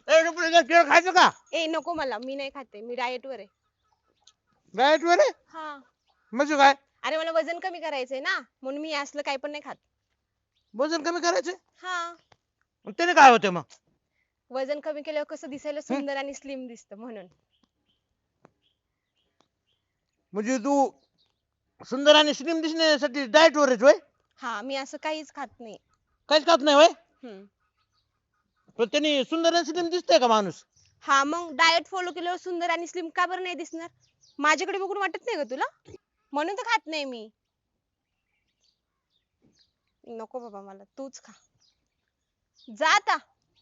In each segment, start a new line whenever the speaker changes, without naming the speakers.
केळ खायचं का?
ए नको मला, मी नाही खाते, मी डाएट वर आहे.
डाएट वर आहे?
हा.
म्हणजे काय?
अरे मला वजन कमी करायचंय ना, म्हणून मी असलं काही पण नाही खात.
वजन कमी करायचं?
हा.
त्याने काय होतं मग?
वजन कमी केल्यावर कसं दिसायला
हं?
सुंदर आणि स्लिम दिसतं म्हणून.
म्हणजे तू सुंदर आणि स्लिम दिसण्यासाठी डाएट वर आहेस होय?
हा, मी असं काहीच खात नाही.
काहीच खात नाही होय?
हम्म.
पण त्याने सुंदर आणि स्लिम दिसतंय का माणूस?
हा, मग डाएट फॉलो केल्यावर सुंदर आणि स्लिम का बरं नाही दिसणार? माझ्याकडे बघून वाटत नाही का तुला? म्हणून तर खात नाही मी. नको बाबा मला, तूच खा. जा आता.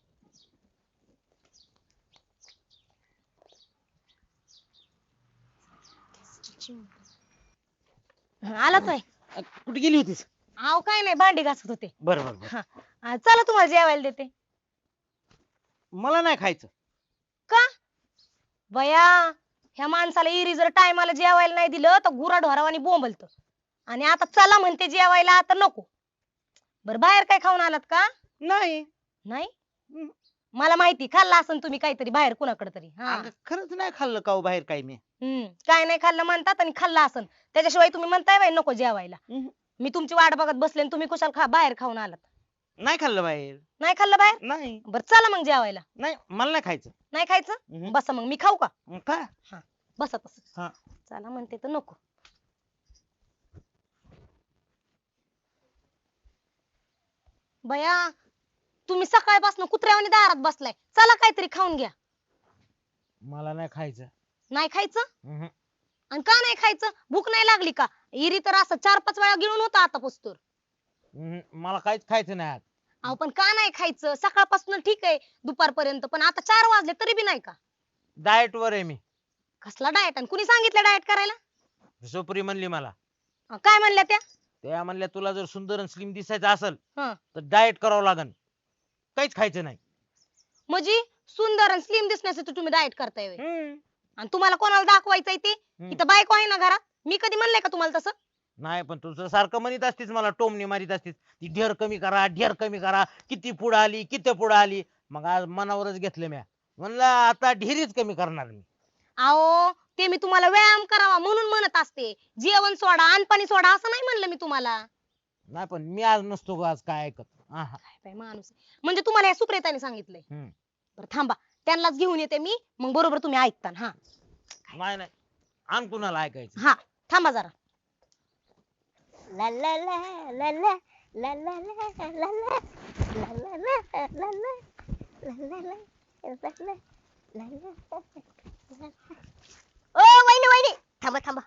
आला तोय.
कुठे गेली होतीस?
आव काय नाही, भांडी घासत होते.
बरं बरं बरं.
हा. चला तुम्हाला जेवायला देते.
मला नाही खायचं.
का बया, ह्या माणसाला इरी जर टायमाला जेवायला नाही दिलं तर गुरा ढोरावानी बोंबलत. आणि आता चला म्हणते जेवायला, तर नको. बर बाहेर काय खाऊन आलात का?
नाही.
नाही.
हम्म.
मला माहिती खाल्ला असन तुम्ही काहीतरी बाहेर कुणाकडे तरी. हा.
अगं खरंच नाही खाल्लं का हो बाहेर काही मी.
काय नाही खाल्लं म्हणतात आणि खाल्ला असन, त्याच्याशिवाय तुम्ही म्हणताय बाई नको जेवायला. मी तुमची वाट बघत बसले आणि तुम्ही कुशाल बाहेर खाऊन आलात.
नाही खाल्लं बाहेर.
नाही खाल्लं बाहेर?
नाही.
बर चला मग जेवायला.
नाही मला नाही खायचं.
नाही खायचं?
हम्म.
बसा मग, मी खाऊ का?
का?
बसा तसं.
हा.
चला म्हणते तर नको. बया, तुम्ही सकाळपासून कुत्र्यावानी दारात बसलाय, चला काहीतरी खाऊन घ्या.
मला नाही खायचं.
नाही खायचं?
हम्म.
आणि का नाही खायचं? भूक नाही लागली का? इरी तर असं 4-5 वेळा गिळून होता आता पुस्तूर.
मला काहीच खायचं नाही आज.
अहो पण का नाही खायचं? सकाळपासून ठीक आहे दुपारपर्यंत, पण आता 4 वाजले तरी बी नाही का?
डाएट वर आहे मी.
कसला डाएट? आणि कुणी सांगितलं डाएट करायला?
सुप्री म्हणली मला.
काय म्हणल्या त्या?
त्या म्हणल्या तुला जर सुंदर आणि स्लिम दिसायचं असेल
हं.
तर डाएट करावं लागन. काहीच खायचं नाही.
म्हणजे सुंदर आणि स्लिम दिसण्यासाठी तुम्ही डाएट करताय व्हय? आणि तुम्हाला कोणाला दाखवायचंय ते? इथं बायको आहे ना घरात, मी कधी म्हणलंय का तुम्हाला तसं?
नाही पण तुझं सारखं म्हणत असतीस मला, टोमणी मारीत असतीस ती ढेर कमी करा, ढेर कमी करा, किती पुढे आली किती पुढे आली. मग आज मनावरच घेतलं म्या, म्हणलं आता ढेरीच कमी करणार मी.
अहो ते मी तुम्हाला व्यायाम करावा म्हणून म्हणत असते. जेवण सोडा, अनपाणी सोडा असं नाही म्हणलं मी तुम्हाला.
नाही पण मी आज नसतो ग, आज काय ऐकत.
काय बाई माणूस आहे. म्हणजे तुम्हाला या सुप्रेताने सांगितलंय? बरं थांबा, त्यांनाच घेऊन येते मी, मग बरोबर तुम्ही ऐकता. हा
नाही नाही, आण कुणाला ऐकायचं.
हा थांबा जरा.
ला ला ला ला ला ला ला ला ला ला ला ला ला ला ला ला. ओ वहिनी वहिनी, थांबा थांबा.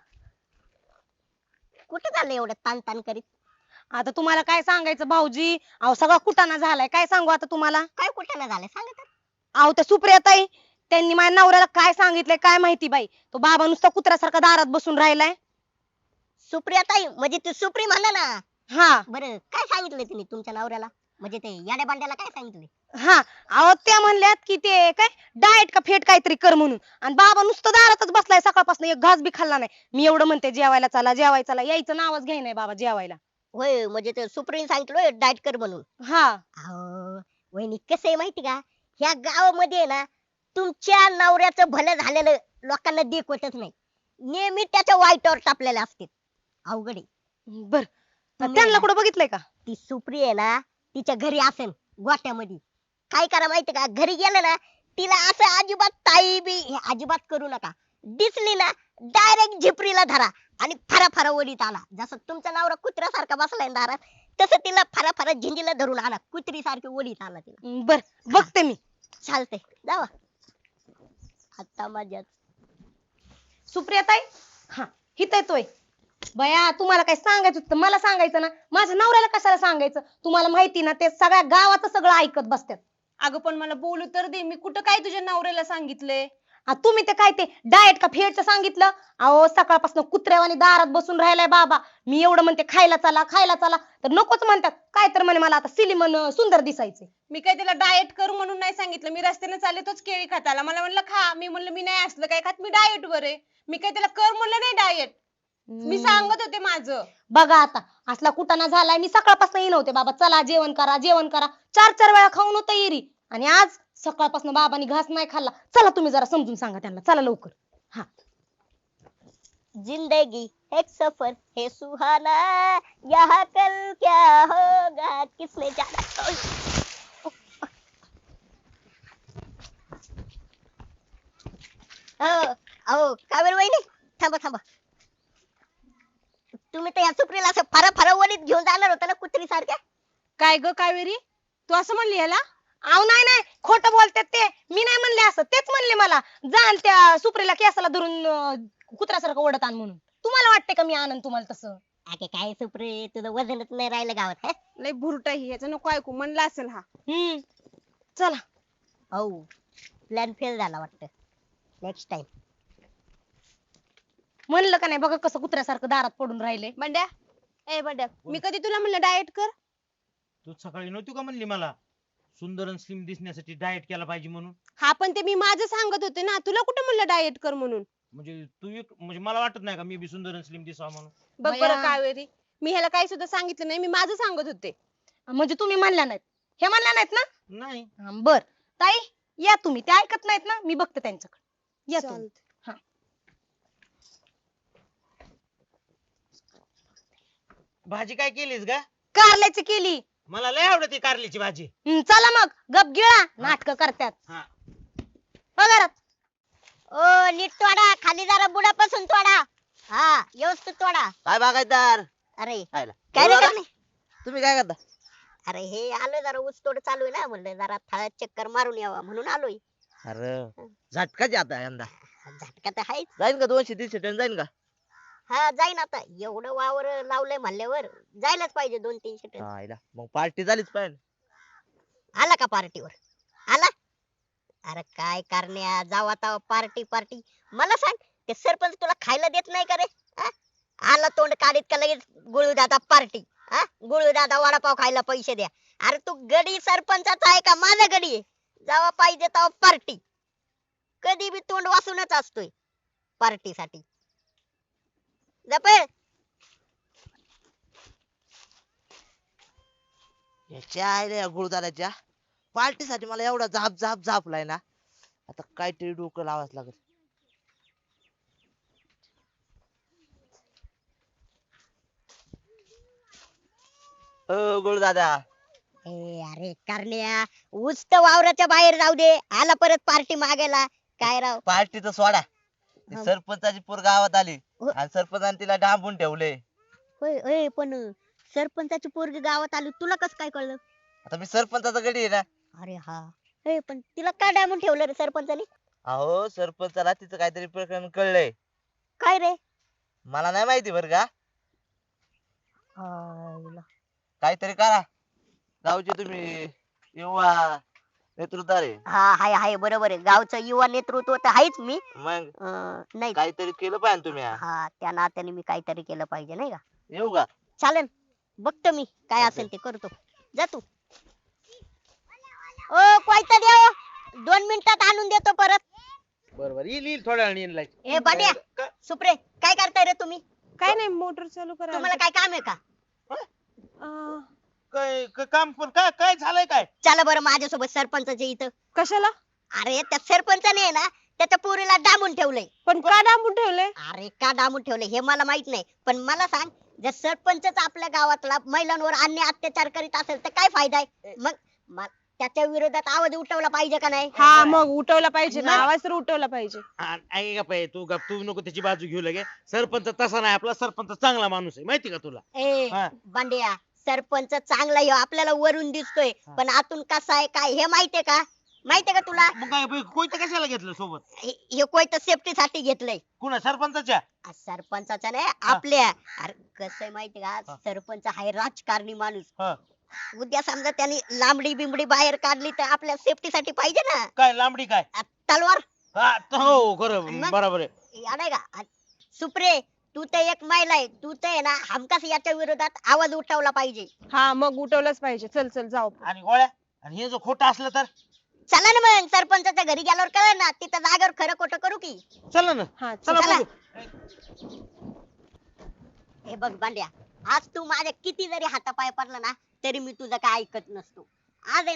कुठे चाललंय एवढं ताण ताण करीत?
आता तुम्हाला काय सांगायचं भाऊजी, अहो सगळा कुटाणा झालाय. काय सांगू आता तुम्हाला?
काय कुठं झालंय सांगा तर.
अहो त्या सुप्रियाताई, त्यांनी माझ्या नवऱ्याला काय सांगितलंय काय माहिती बाई. तो बाबा नुसता कुत्र्यासारखा दारात बसून राहिलाय.
सुप्रिया ताई म्हणजे तू सुप्री म्हणा ना.
हा
बरं काय सांगितलंय तुम्ही तुमच्या नवऱ्याला? म्हणजे ते याड्या बांड्याला काय सांगितलंय?
हा. अहो त्या म्हणल्यात की ते काय डाएट का फेट काहीतरी कर म्हणून, आणि बाबा नुसतं दारातच बसलाय सकाळपासून, एक घास बी खाल्ला नाही. मी एवढं म्हणते जेवायला चला जेवायला चला, यायचं नावच घ्याय नाही बाबा जेवायला.
होय म्हणजे ते सुप्रीने सांगितलं डाएट कर म्हणून.
हा.
अहो वहिनी कसं आहे माहिती का, ह्या गावामध्ये ना तुमच्या नवऱ्याचं भलं झालेलं लोकांना देखवतच नाही, नेहमी त्याच्या वाईटावर टापलेले असते. अवघड आहे.
बर
तुम्ही
त्यांना
ना-
कुठं बघितलंय का?
ती सुप्री आहे ना, तिच्या घरी असेल गोट्यामध्ये. काय करा माहिती का, घरी गेलं ना तिला असं अजिबात ताई बी हे अजिबात करू नका. दिसली ना डायरेक्ट झिपरीला धरा आणि फरा फरा ओढीत आणा. जसं तुमचा नवरा कुत्र्यासारखा बसलाय ना दारात, तसं तिला फरा फरा झिंजीला धरून आणा, कुत्री सारखी ओढीत आणा तिला.
बर बघते मी.
चालतंय जावा. आता माझ्याच
सुप्रियाताई, हा हित येतोय. बया तुम्हाला काय सांगायचं होतं मला सांगायचं ना, माझ्या नवऱ्याला कशाला सांगायचं? तुम्हाला माहिती ना ते सगळ्या गावाचं सगळं ऐकत बसतात.
अगं पण मला बोलू तर दे, मी कुठं काय तुझ्या नवऱ्याला सांगितलंय?
तुम्ही ते काय ते डाएट का फेडचं सांगितलं? अहो सकाळपासून कुत्र्यावानी दारात बसून राहिलाय बाबा. मी एवढं म्हणते खायला चला खायला चला, तर नकोच म्हणतात. काय तर म्हणे मला आता सिलिमन सुंदर दिसायचे.
मी काय त्याला डाएट करू म्हणून नाही सांगितलं. मी रस्त्याने चालले तोच केळी खाताला, मला म्हणलं खा. मी म्हणलं मी नाही असलं काय खात, मी डाएट वर आहे. मी काय त्याला कर म्हणलं नाही डाएट, मी सांगत होते माझं.
बघा आता असला कुटाणा झालाय. मी सकाळपासून येईन होते बाबा चला जेवण करा जेवण करा, 4-4 वेळा खाऊन होतं येरी, आणि आज सकाळपासून बाबांनी घास नाही खाल्ला. चला तुम्ही जरा समजून सांगा त्यांना, चला लवकर. हा
जिंदगी एक सफर है सुहाना, यहाँ कल क्या होगा किसने जाना. अहो कावेरी वहिनी, थांबा थांबा. तुम्ही तर या सुप्रीला असं फरा वलीत घेऊन जाणार होता ना कुत्री सारख्या.
काय ग कावेरी, तू असं म्हणली ह्याला?
अहो नाही नाही, खोटं बोलतात ते. मी नाही म्हणले असं, तेच म्हणले मला जा आणि त्या सुप्रीला केसाला धरून कुत्र्यासारखं ओढत आण म्हणून. तुम्हाला वाटते का मी आणन तुम्हाला तसं?
अगे काय सुप्री, तुझं वजनच नाही राहिलं गावात. हे?
लय भुरटा ही, ह्याचं नको ऐकू, म्हणला असेल हा.
चला.
हो, प्लॅन फेल झाला वाटतं. Next time.
म्हणलं का नाही बघा कसं कुत्र्यासारखं दारात पडून राहिले.
बंड्या, ए बंड्या, मी कधी तुला म्हणलं डाएट कर?
तू सकाळी नव्हती का म्हणली मला सुंदर आणि स्लिम दिसण्यासाठी डाएट केला पाहिजे म्हणून?
हा पण ते मी माझं सांगत होते ना, तुला कुठं म्हणलं डाएट कर म्हणून?
म्हणजे म्हणजे मला वाटत नाही का मी बी सुंदर आणि स्लिम दिसावा म्हणून?
बघ
बया.
बरं कावेरी, मी ह्याला काही सुद्धा सांगितलं नाही, मी माझं सांगत होते.
म्हणजे तुम्ही म्हणल्या नाहीत, हे म्हणल्या नाहीत ना?
नाही.
बर ताई, या तुम्ही. ते ऐकत नाहीत ना, मी बघते त्यांच्याकडे. या तुम्ही.
चालतंय.
भाजी काय केलीस ग?
कारल्याची केली.
मला लय आवडते कारल्याची भाजी.
चला मग गप गिळा, नाटक करतात.
हा.
हो घरात.
ओ नीट तोडा, खाली जरा बुडापासून तोडा. हा व्यवस्थित तोडा.
काय बागायतदार?
अरे
आयला.
काय रे
बोला
करणे?
तुम्ही काय करता?
अरे हे आलो जरा ऊस तोड चालू आहे ना, म्हणलं जरा थळ्यात चक्कर मारून यावा म्हणून आलोय.
अरे झटकाच आता यंदा.
झटका तर आहेच.
जाईन का 200-300 टन जाईन का?
हा जाईन आता, एवढं वावर लावलंय म्हणल्यावर जायलाच पाहिजे 200-300 टन.
आयला मग पार्टी झालीच पाहिजे.
आला का पार्टीवर? आला? अरे काय करण्या, जावा आता पार्टी पार्टी. मला सांग, ते सरपंच तुला खायला देत नाही का रे? हा? आला तोंड काढीत का लगेच गुळू दादा पार्टी. हा, गुळू दादा वडापाव खायला पैसे द्या. अरे तू गडी सरपंचाचा आहे का माझा गडी आहे? जावा पाहिजे तेव्हा पार्टी. कधी बी तोंड वासूनच असतोय पार्टीसाठी. जपे.
याच्या आयला गुरुदाराच्या पार्टीसाठी मला एवढा झापलाय ना, आता काहीतरी डोकं लावाच लागत. गुरुदादा.
अरे करण्या, ऊस तर वावराच्या बाहेर जाऊ दे, आला परत पार्टी मागायला. काय राव.
पार्टीचं सोडा. ती
हा.
सरपंचाची पोर गावात आली
हो.
आणि सरपंचाने तिला डांबून ठेवले.
होय होय, पण सरपंचाची पोरगी गावात आली, तुला कसं काय कळलं?
आता मी सरपंचाचा गडी आहे ना.
अरे हा. हे पण तिला का डांबून ठेवलं रे सरपंचाने?
अहो सरपंचाला तिचं काहीतरी प्रकरण कळलंय.
काय रे?
मला नाही माहिती बरं का.
आईला.
काहीतरी करा. गावचे तुम्ही युवा नेतृत्वार आहे.
हा हाय हाय, बरोबर आहे. गावचं युवा नेतृत्व तर आहेच मी.
मग
नाही,
काहीतरी केलं पाहिजे तुम्ही.
हा त्या नात्याने मी काहीतरी केलं पाहिजे नाही का?
येऊ का?
चालेल, बघतो मी काय असेल ते करतो. जा तू. ओ कोयता द्या, 2 मिनिटात आणून देतो परत.
बरोबर, येईल थोड्या वेळाने येईल लाईट.
ए बांड्या, सुप्रे, काय करताय रे तुम्ही?
काय नाही, मोटर चालू करा.
तुम्हाला काय काम आहे का?
काय काम पण काय काय झालंय काय?
चला बरं माझ्यासोबत सरपंचाच्या इथं.
कशाला?
अरे त्या सरपंचाने आहे ना त्याच्या पोरीला डांबून ठेवलंय.
पण का डांबून ठेवले?
अरे का डांबून ठेवलंय हे मला माहित नाही, पण मला सांग, जर सरपंचच आपल्या गावातला महिलांवर अन्याय अत्याचार करीत असेल तर काय फायदा आहे? मग त्याच्या विरोधात आवाज उठवला पाहिजे का नाही?
हा मग उठवला पाहिजे ना,
नाही.
आवाज तर उठवला पाहिजे.
ऐक का पाय, तू गप, तू नको त्याची बाजू घेऊ लगे. सरपंच तसा नाही, आपला सरपंच चांगला माणूस आहे माहिती का तुला?
ए
हा.
बांड्या, सरपंच चांगला आहे आपल्याला वरून दिसतोय,
हा.
पण आतून कसा आहे काय हे माहितीये का? माहितीये का तुला?
मग काय कोयतं कशाला घेतलं सोबत?
हे कोयत सेफ्टी साठी घेतलंय.
कुणा सरपंचाच्या?
सरपंचाचा नाही, आपल्या. अरे कसं आहे माहितीये का,
हा.
सरपंच आहे राजकारणी माणूस.
हा.
उद्या समजा त्यांनी लांबडी बिंबडी बाहेर काढली तर आपल्या सेफ्टी साठी पाहिजे ना.
काय लांबडी काय?
तलवार.
हा, हो खरं
मग?
बरोबर आहे.
याड आहे का? सुप्रे, तू तर एक महिला आहे, तू तर आहे ना हमखास याच्या विरोधात आवाज उठवला पाहिजे.
हा मग उठवलंच पाहिजे. चल चल जाऊ.
आणि गोळ्या, आणि हे जो खोटं असलं तर?
चला ना मग, सरपंचाच्या घरी गेल्यावर कळलं ना, तिथं जागेवर खरं खोटं करू की.
चला ना.
हा
चला
चला.
बघू.
हे बघ बांड्या, आज तू माझ्या किती जरी हातापाय पडला ना तरी मी तुझं काय ऐकत नसतो. आज आहे ना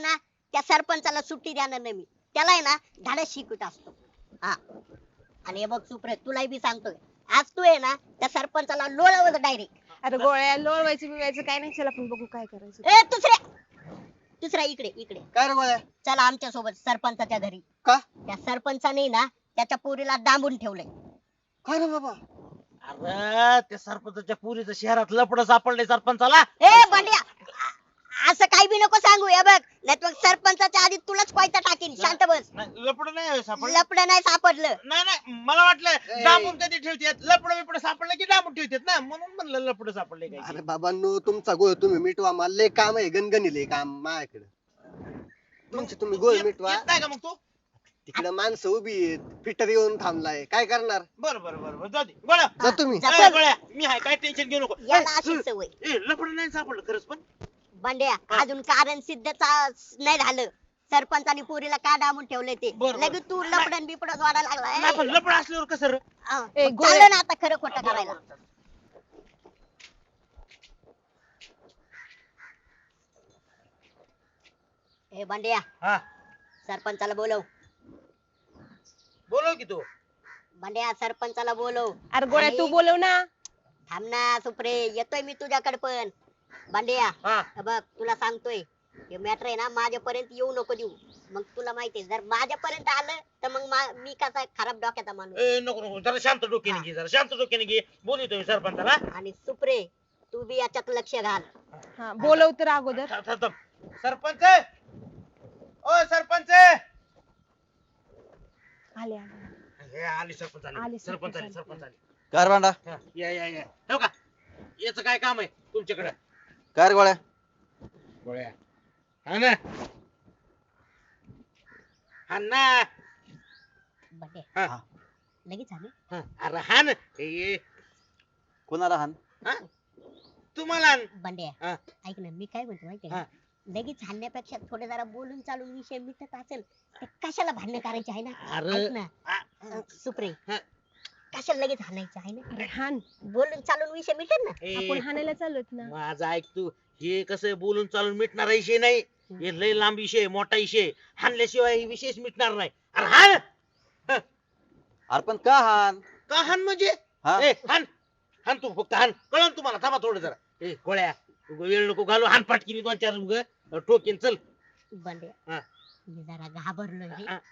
त्या सरपंचाला सुट्टी देणार नाही मी. त्याला आहे ना धाडस शिकवत असतो. हा आणि हे बघ सुप्रे, तुलाही बी सांगतोय, आज तू आहे ना त्या सरपंचाला लोळवलं डायरेक्ट.
अरे गोळ्या लोळवायचं बिवायचं काय नाही, चल आपण बघू काय करायचं.
ए दुसऱ्या इकडे इकडे
काय रे गोळ्या?
चला आमच्या सोबत सरपंचाच्या घरी.
का?
त्या सरपंचाने ना त्याच्या पोरीला डांबून ठेवलंय.
काय रे बाबा?
अरे त्या सरपंचाच्या पुरीचं शहरात लपड सापडले सरपंचाला.
ए बंड्या, असं काही बी नको सांगू. हे बघ, नाही मग सरपंचाच्या आधी तुलाच कोयता टाकीन. शांत बस.
लपड नाही सापडलं.
लपड नाही सापडलं.
नाही मला वाटलं डांबून कधी ठेवतात, लपड बिपड सापडलं की डांबून ठेवतात ना, म्हणून म्हणलं लपड सापडले काय.
अरे बाबांनो, तुमचा गोळ तुम्ही मिटवा. मला लय काम आहे, गणगणिले काम माझ्याकडे. तुमचे तुम्ही गोळ मिटवा.
येत नाही का मग तू?
तिकडे माणसं उभी आहेत, फिटर येऊन थांबलाय, काय करणार?
बरं जाऊ दे गोळ्या.
जा तुम्ही.
जा.
ए, गोळ्या मी आहे, काय टेन्शन घेऊ नको.
याला अशी सवय.
ए लपड नाही सापडलं खरंच पण.
बंड्या, अजून कारण सिद्ध नाही झालं. सरपंचानी पोरीला का डांबून ठेवलंय ते.
बरं.
लगेच तू लपडन बिपडत वाढायला
नाही
लागलाय.
पण लपड असल्यावर कसं रे?
ए, गोळ्या.
चाललं ना आता खरं खोटं करायला. ए बंड्या,
हा
सरपंचाला बोलव.
बोलव की तू.
बंड्या, सरपंचाला बोलव.
अरे गोळ्या तू बोलव ना.
थांब ना सुप्रे, येतोय मी तुझ्याकडे पण. बंड्या,
हा
हे बघ तुला सांगतोय, हे मॅटर आहे ना माझ्यापर्यंत येऊ नको देऊ. मग तुला माहितीये, जर माझ्यापर्यंत आलं तर मग मी कसा खराब डोक्याचा माणूस.
ए नको जरा शांत डोक्याने घे, जरा शांत डोक्याने घे. बोलू सरपंचाला.
आणि सुप्रे, तू बी याच्यात लक्ष घाल.
हा बोलव तर अगोदर.
थांब. सरपंच, ओ सरपंच.
आले
हे आली सरपंच
आली,
आली. सरपंच
सरपंच
आली
आली.
सरपंच आली.
कार भांडा
हा, या हो का, याचं काय काम आहे तुमच्याकडे?
कार गोळ्या
गोळ्या हा ना, हा ना.
बंड्या,
हा,
लगेच आले.
हा. अरे हा ना. ए,
कोणाला हान?
हा? तुम्हाला आण.
बंड्या,
हा.
ऐक ना, मी काय म्हणतो माहितीये
हा.
का, लगेच हाणण्यापेक्षा थोडे जरा बोलून चालून विषय मिटत असेल तर कशाला भांडणं करायचे आहे ना.
अरे
ऐक ना
आ-
सुप्रे,
हा.
कशाला लगेच हाणायचं आहे ना.
अरे हान,
बोलून चालून विषय मिटेल ना.
ए,
आपण हाणायला चाललोत ना.
माझं ऐक तू. हे कसं बोलून चालून मिटणारा विषय नाही. हे लय लांब विषय आहे, मोठा विषय आहे. हाणल्याशिवाय हे विषयच मिटणार नाही. अरे हाण.
अरे पण का हान?
का हाण म्हणजे?
हा?
ए हाण हाण तू, फक्त हाण. कळलं तुम्हाला? थांबा थोडं जरा. ए गोळ्या, उगा वेळ नको घालू. हाण पाटकीने 2-4 उग ठोकेन. चल.
बंड्या,
हा.
मी जरा घाबरलोय रे.
हा.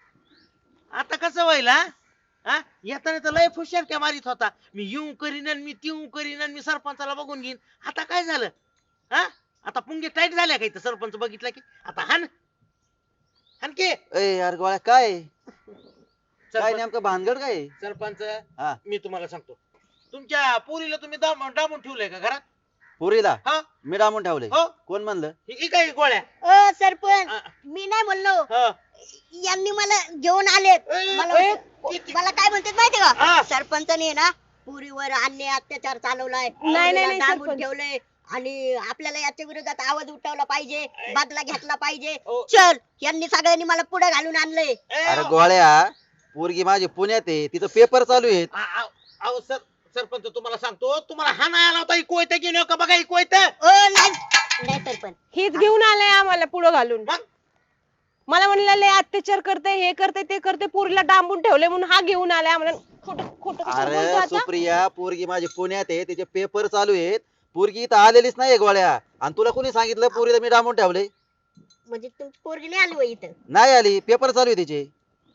आता कसं व्हायला? हा, येताना तर लय फुशारक्या मारित होता. मी येऊ करीन आणि मी तिऊ करीन आणि मी सरपंचाला बघून घेईन. आता काय झालं? हा, आता पुंगे टाईट झाल्या का इथं? सरपंच बघितला की आता हाण हाणके.
ए यार गोळ्या काय काय
सरपंच
नेमकं भानगड काय?
सरपंच,
हा.
मी तुम्हाला सांगतो, तुमच्या पोरीला तुम्ही डांबून ठेवलंय का घरात?
पुरीला
हा
मी डांबून ठेवले.
हो.
कोण म्हणलं?
ही काय गोळ्या?
ओ सरपंच,
हा.
मी नाही म्हणलो,
हा.
यांनी मला घेऊन आलेत.
ए,
मला
ए,
मला काय म्हणतात माहिती का,
हा.
सरपंचाने ना पुरीवर अन्याय अत्याचार चालवलाय,
नाही,
पुरीला
नाही,
डांबून
सरपंच.
ठेवलंय आणि आपल्याला याच्या विरोधात आवाज उठवला पाहिजे, बदला घेतला पाहिजे.
ओ.
चल, यांनी सगळ्यांनी मला पुढे घालून आणलंय.
ए,
अरे गोळ्या, पोरगी माझी पुण्यात आहे, तिथं पेपर चालू आहेत.
अहो सरपंच, तुम्हाला सांगतो, तुम्हाला हा नाही आला होता. कोयत घेऊन येऊ का बघा? कोयत.
ओ नाही नाही सरपंच,
हेच घेऊन आलाय आम्हाला पुढं घालून.
मग?
मला म्हणलं लय अत्याचार करते, हे करते ते करते, पोरीला डांबून ठेवले म्हणून हा घेऊन आलाय आम्हाला. खोटं खोटं कशाला बोलतो
अरे
आता?
सुप्रिया, पोरगी माझी पुण्यात आहे, तिचे पेपर चालू आहेत. पोरगी इथं आलेलीच नाही गोळ्या. आणि तुला कोणी सांगितलं पोरीला मी डांबून ठेवले?
म्हणजे तुमची पोरगी नाही आली होय इथं?
नाही आली, पेपर चालू आहे तिचे.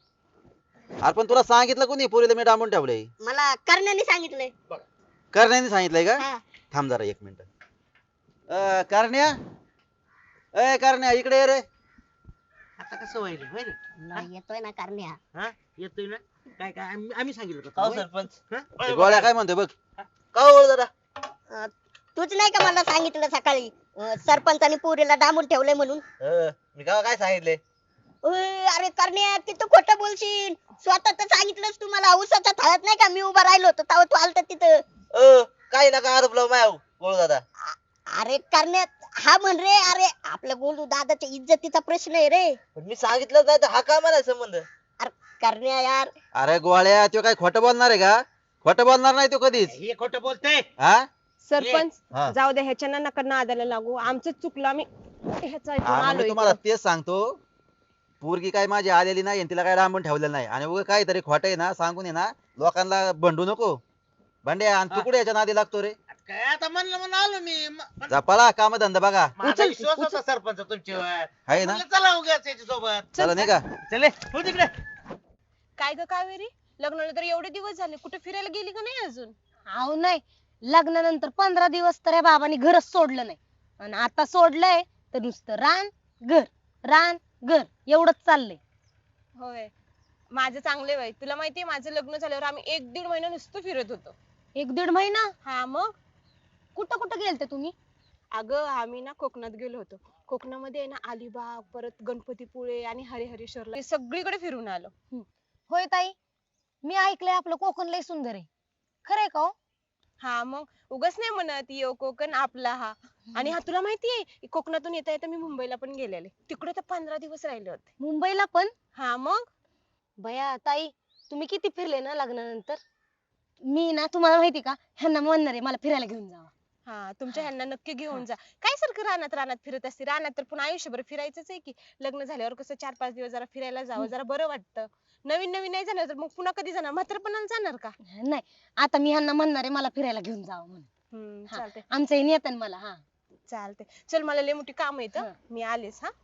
अरे पण तुला सांगितलं कोणी पोरीला मी डांबून ठेवले?
मला करण्याने सांगितलंय.
करण्याने सांगितलंय का?
हा.
थांब जरा 1 मिनिट. करण्या, ए करण्या इकडे ये रे.
आता कसं व्हायला होय रे?
नाही, येतोय ना करण्या.
हा, येतोय ना? काय काय आम्ही सांगितलं का?
हो सरपंच.
हा?
ते गोळ्या काय म्हणतोय बघ.
का हो दादा?
अं, तूच नाही का मला सांगितलं सकाळी, सरपंचानी पोरीला डांबून ठेवलंय म्हणून?
मी का काय सांगितले?
अरे करण्या, किती खोटं बोलशील. स्वतः तर सांगितलंस तू मला. उसाच्या थाळ्यात नाही का मी उभा राहिलो होतो तेव्हा तू आलता तिथं.
काही नका आरोप लावू मायावर बोल दादा.
अरे करण्यात हा म्हण रे. अरे आपल्या गोलू दादाच्या इज्जतीचा प्रश्न आहे रे.
पण मी सांगितलं नाही तर हा काय मला संबंध?
अरे करण्या यार,
अरे गोळ्या, तो काय खोटं बोलणार आहे का? खोटं बोलणार नाही तो कधीच.
हे खोटं बोलतय.
हा
सरपंच,
हा.
जाऊ दे, ह्याच्या नका नादाला लागू. आमचं चुकलं, आम्ही ह्याचं ऐकून
आणि
आलो
मी तुम्हाला
इकडं.
तेच सांगतो, पोरगी काय माझी आलेली नाही आणि तिला काय लांबून ठेवलेलं नाही आणि उगा काहीतरी खोटं आहे ना सांगून आहे ना लोकांना भंडू नको. भांड्या आणि तू
हा.
कुठे याच्या नादी लागतो रे?
काय आता म्हणलं आलो मी
जपाला काम धंदा बघा.
माझा
उचल,
विश्वास
उचल.
होता सरपंच तुमच्यावर.
आहे ना?
म्हणलं चला उगाच याच्या सोबत.
चला नाही का?
चले हो तिकडे.
काय ग कावेरी, लग्नाला तर एवढे दिवस झाले, कुठे फिरायला गेली का नाही अजून?
अहो नाही, लग्नानंतर 15 दिवस तर या बाबांनी घरच सोडलं नाही आणि आता सोडलंय तर नुसतं रान घर एवढंच चाललंय.
होय, माझं चांगले वय. तुला माहितीये माझं लग्न झाल्यावर आम्ही 1-1.5 महिना नुसतं फिरत होतो.
1-1.5 महिना?
हा मग.
कुठं कुठं गेलते तुम्ही?
अगं आम्ही ना कोकणात गेलो होतो. कोकणामध्ये आहे ना अलिबाग, परत गणपतीपुळे आणि हरिहरेश्वरला हे सगळीकडे फिरून आलो.
होय ताई, मी ऐकलंय आपलं कोकण लय सुंदर आहे. खरंय का हो?
हा मग उगाच नाही म्हणत यो कोकण आपला हा. आणि हा तुला माहितीये कोकणातून येता येता मी मुंबईला पण गेलेले, तिकडे तर 15 दिवस राहिले होते.
मुंबईला पण?
हा मग.
बया ताई, तुम्ही किती फिरले ना लग्नानंतर. मी ना तुम्हाला माहिती का ह्यांना म्हणणार आहे मला फिरायला घेऊन जावा.
हा तुमच्या ह्यांना नक्की घेऊन जा. काय सारखं रानात रानात फिरत असते, रानात तर पुन्हा आयुष्यभर फिरायचंच आहे की. लग्न झाल्यावर कसं 4-5 दिवस जरा फिरायला जावं, जरा बरं वाटतं. नवीन नवीन नाही जाणार तर मग पुन्हा कधी जाणार, म्हातारपणाला जाणार का?
नाही, आता मी ह्यांना म्हणणार आहे मला फिरायला घेऊन जावा म्हणून. हा,
चालते
आमचं हे नेतं मला. हा
चालते. चल मला लय मोठी काम येत,
हा.
मी आलेच. हा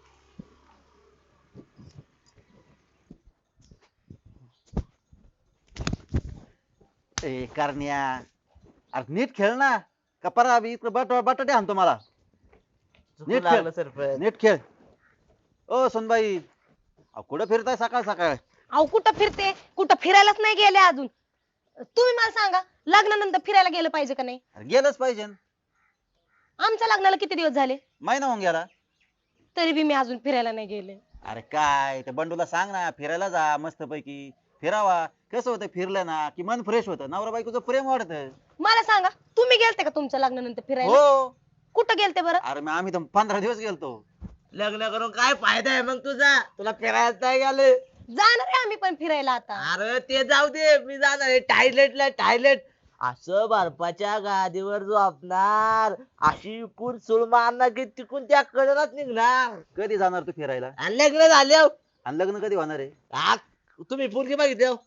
ए करण्या, अरे नीट खेळ ना. कपारा इकडे बटाटे आणतो मला. नीट खेळ.
लागलं सरपंच.
नीट खेळ. ओ सोनबाई, अहो, कुठं फिरताय सकाळ सकाळ?
अहो कुठं फिरते, कुठं फिरायलाच नाही गेले अजून. तुम्ही मला सांगा, लग्नानंतर फिरायला गेलं पाहिजे का नाही?
अरे गेलंच पाहिजे.
आमच्या लग्नाला किती दिवस झाले,
महिना होऊन गेला.
तरी बी मी अजून फिरायला नाही गेले.
अरे काय त्या बंडूला सांग ना फिरायला जा मस्त पैकी. फिरावा. कसं होतं फिरलं ना की मन फ्रेश होतं, नवरा बायकोचं प्रेम वाढतं.
मला सांगा, तुम्ही गेलते का तुमच्या लग्नानंतर फिरायला?
हो.
कुठं गेलते बरं?
अरे मग आम्ही तर 15 दिवस गेलतो.
लग्न करून काय फायदा आहे मग तुझा? तुला फिरायला नाही गेलं.
जाणार आहे आम्ही पण फिरायला आता.
अरे ते जाऊ दे, मी जाणार आहे टॉयलेटला. टॉयलेट असं बर्फाच्या गादीवर झोपणार, अशी इकून सुळ मारणार की तिकून त्या कडेलाच निघणार.
कधी जाणार तू फिरायला?
आणि लग्न झाल्यावर
आणि लग्न कधी होणार आहे?
तुम्ही पोरगी बघितली हो?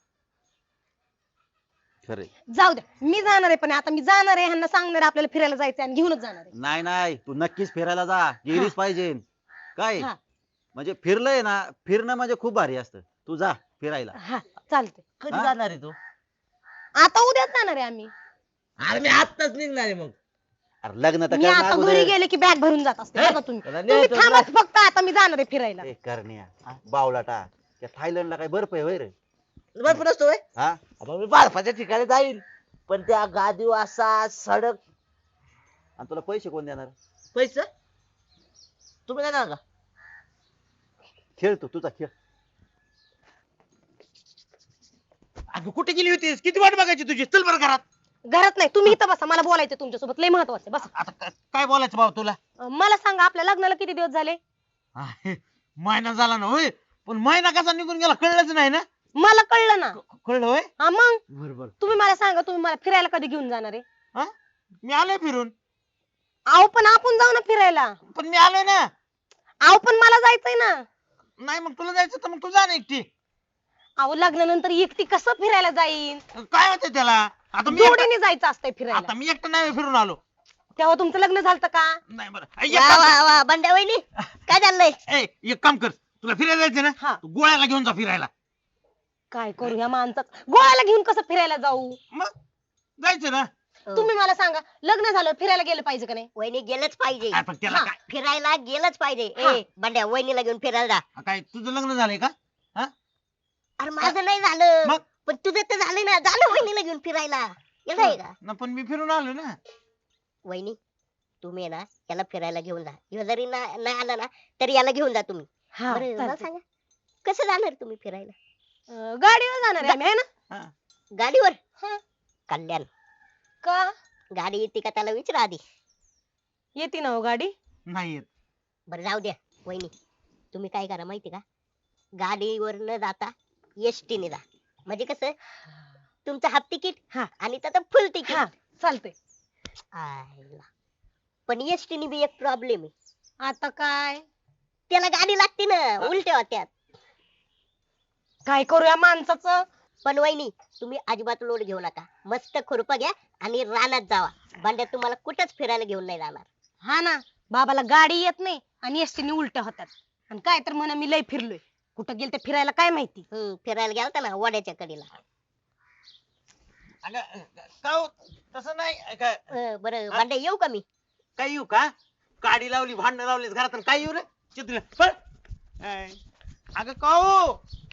खरे.
जाऊ द्या, मी जाणार आहे पण आता मी जाणार आहे, ह्यांना सांगणार आहे आपल्याला फिरायला जायचं आणि घेऊनच जाणार आहे.
नाही नाही, तू नक्कीच फिरायला जा. गेलीच पाहिजे. काय
हा.
म्हणजे फिरलंय ना, फिरणं म्हणजे खूप भारी असतं. तू जा फिरायला.
हा चालतंय.
कधी
हा?
जाणार आहे तू?
आता उद्याच जाणार आहे आम्ही.
अरे मी आत्ताच निघणार आहे मग.
अरे लग्न तर
मी
करणं
आता
अगोदर.
घरी गेले की बॅग भरून जात असते.
हे?
बघा तुम्ही
त्याला
तुम्ही
न्यायचं
थांबाच फक्त, आता मी जाणार आहे फिरायला.
ए करण्या, बावलाटा, त्या थायलंडला काय बर्फ आहे होय रे?
बर्फ नसतो होय?
हा.
आता मी बर्फाच्या ठिकाणी जाईल, पण त्या गादीवर असा सडक.
आणि तुला पैसे कोण देणार?
पैसे तुम्ही देणार का?
खेळ तू तुझा खेळ.
अगं कुठे गेली होतीस? किती वाट बघायची तुझी? चल बरं घरात.
घरात नाही, तुम्ही इथं बसा, मला बोलायचं तुमच्यासोबत, लय महत्वाचं आहे. बसा.
आता काय बोलायचं भाऊ तुला?
मला सांगा, आपल्या लग्नाला किती दिवस झाले?
महिना झाला ना होय, पण महिना कसा निघून गेला कळलंच नाही ना.
मला कळलं ना.
कळलं होय?
हा मग
बरोबर.
तुम्ही मला सांगा, तुम्ही मला फिरायला कधी घेऊन जाणार आहे?
हा, मी आलोय फिरून.
अहो पण आपण जाऊ ना फिरायला.
पण मी आलोय ना.
अहो पण मला जायचंय ना.
नाही मग तुला जायचं तर मग तू जा ना एकटी.
अहो लग्नानंतर एकटी कसं फिरायला जाईन?
काय होतंय त्याला? आता मी एकटा-
जोडीने जायचं असतंय फिरायला.
आता मी एकटा नाही फिरून आलो.
तेव्हा तुमचं लग्न झालं का?
नाही बरं.
वा वा वा बंड्या वहिनी, काय चाललंय?
एक काम कर, तुला फिरायला जायचं ना,
हा.
तू गोळ्याला घेऊन जा फिरायला.
काय करू ह्या माणसात, गोव्याला घेऊन कसं फिरायला जाऊ?
मग जायचं ना.
तुम्ही मला सांगा, लग्न झालं फिरायला गेलं पाहिजे का नाही?
वहिनी गेलंच पाहिजे.
काय पण त्याला
हा.
काय?
फिरायला गेलंच पाहिजे.
हा.
ए बंड्या, वहिनीला घेऊन फिरायला जा.
काय तुझं लग्न झालंय का?
अरे माझं नाही झालं,
मग?
पण तुझं तर झालं ना. झालं वहिनीला घेऊन फिरायला. येतंय का?
ना पण मी फिरून आलो ना.
वहिनी, तुम्ही ना याला फिरायला घेऊन जा. ह्यो जरी नाही आला ना तरी याला घेऊन जा तुम्ही.
हा
बरं मला
चालतंय.
सांगा, कसं जाणार तुम्ही फिरायला?
गाडीवर जाणार आहे आम्ही, है ना?
गाडीवर?
हा.
कल्याण,
का
गाडी येते का त्याला विचारा आधी.
येते ना हो गाडी?
नाही येत.
बरं जाऊ द्या वहिनी, तुम्ही काय करा माहिती का, गाडीवर न जाता एसटी ने जा. म्हणजे कसं, तुमचं हाफ तिकीट
हा.
आणि त्याचं फुल तिकीट.
हा चालतंय.
आयला. पण एसटी ने बी एक प्रॉब्लेम आहे.
आता काय
त्याला गाडी लागते ना उलट्या होत्यात.
काय करू या माणसाचं.
पण वहिनी तुम्ही अजिबात लोड घेऊ नका, मस्त खुरपा घ्या आणि रानात जावा. भांड्यात तुम्हाला कुठंच फिरायला घेऊन नाही जाणार.
हा ना, बाबाला गाडी येत नाही आणि एसटीने उलट्या होतात. आणि काय तर म्हणा मी लय फिरलोय. कुठं गेल ते फिरायला काय माहिती.
फिरायला गेलता ना वड्याच्या कडीला.
अगं का हो? तसं नाही
बरं भांड्या येऊ का मी?
काय येऊ का? काडी लावली, भांडण लावली घरात, काय येऊ रे चित्र पळ. अगं का हो?